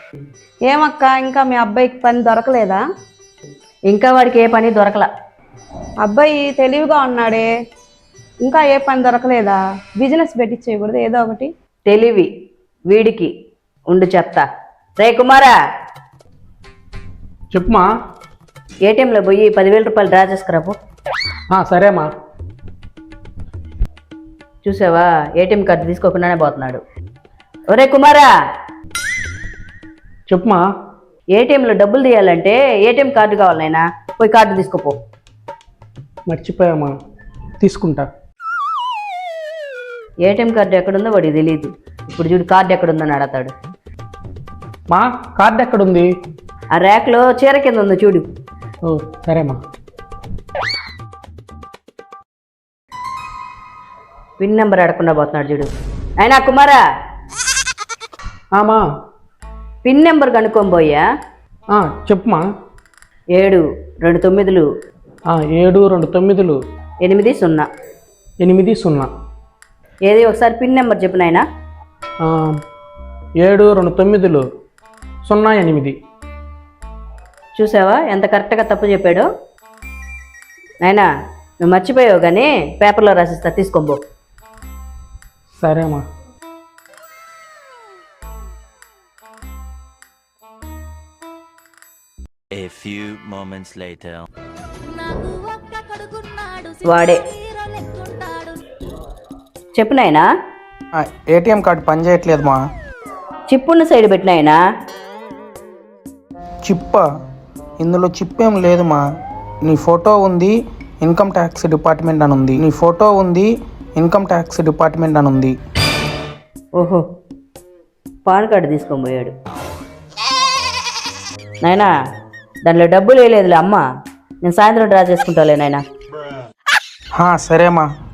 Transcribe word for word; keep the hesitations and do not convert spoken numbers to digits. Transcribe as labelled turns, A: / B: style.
A: ఏమక్క ఇంకా మీ అబ్బాయికి పని దొరకలేదా?
B: ఇంకా వాడికి ఏ పని దొరకలా.
A: అబ్బాయి తెలివిగా ఉన్నాడే, ఇంకా ఏ పని దొరకలేదా? బిజినెస్ పెట్టించేయకూడదు ఏదో ఒకటి?
B: తెలివి వీడికి ఉండు చెప్తా. రే కుమారా,
C: చెప్పుమా.
B: ఏటీఎంలో పోయి పదివేల రూపాయలు డ్రా చేసుకురాపు.
C: సరేమ్మా.
B: చూసావా, ఏటీఎం కార్డు తీసుకోకుండానే పోతున్నాడు. ఒరే కుమారా,
C: చెప్పుమా.
B: ఏటీఎంలో డబ్బులు తీయాలంటే ఏటీఎం కార్డు కావాలి నాయనా, పోయి కార్డు తీసుకోపో.
C: మర్చిపోయామా, తీసుకుంటా.
B: ఏటీఎం కార్డు ఎక్కడుందో వాడికి తెలియదు. ఇప్పుడు చూడు కార్డు ఎక్కడుందని అడతాడు.
C: మా కార్డు ఎక్కడుంది?
B: ఆ ర్యాక్లో చీర కింద ఉందో చూడు.
C: ఓ సరేమ్మా.
B: పిన్ నెంబర్ అడగకుండా పోతున్నాడు చూడు. అయినా కుమారా,
C: ఆమా
B: పిన్ నెంబర్ కనుక్కోబోయా.
C: చెప్పుమా.
B: ఏడు రెండు తొమ్మిదిలు
C: ఏడు రెండు తొమ్మిదిలు
B: ఎనిమిది సున్నా
C: ఎనిమిది సున్నా.
B: ఏది ఒకసారి పిన్ నెంబర్ చెప్పు నాయనా.
C: ఏడు రెండు తొమ్మిదిలు సున్నా ఎనిమిది.
B: చూసావా ఎంత కరెక్ట్గా తప్పు చెప్పాడు. నాయనా నువ్వు మర్చిపోయావు కానీ పేపర్లో రాసిస్తా, తీసుకోబో.
C: సరేమ్మా.
D: A few moments later.
B: వాడే చెప్పు నాయనా.
E: ఏటీఎం కార్డు పనిచేయట్లేదు మా.
B: చిప్పున్న సైడ్ పెట్టినాయనా.
E: చిప్పా? ఇందులో చిప్ ఏం లేదు మా. నీ ఫోటో ఉంది, ఇన్కమ్ ట్యాక్స్ డిపార్ట్మెంట్ అని ఉంది. నీ ఫోటో ఉంది, ఇన్కమ్ ట్యాక్స్ డిపార్ట్మెంట్ అని ఉంది.
B: ఓహో, పాన్ కార్డు తీసుకొని పోయాడు. నాయనా దాంట్లో డబ్బులు వేయలేదులే అమ్మ, నేను సాయంత్రం డ్రా చేసుకుంటాలే నాయనా.
E: సరేమ్మా.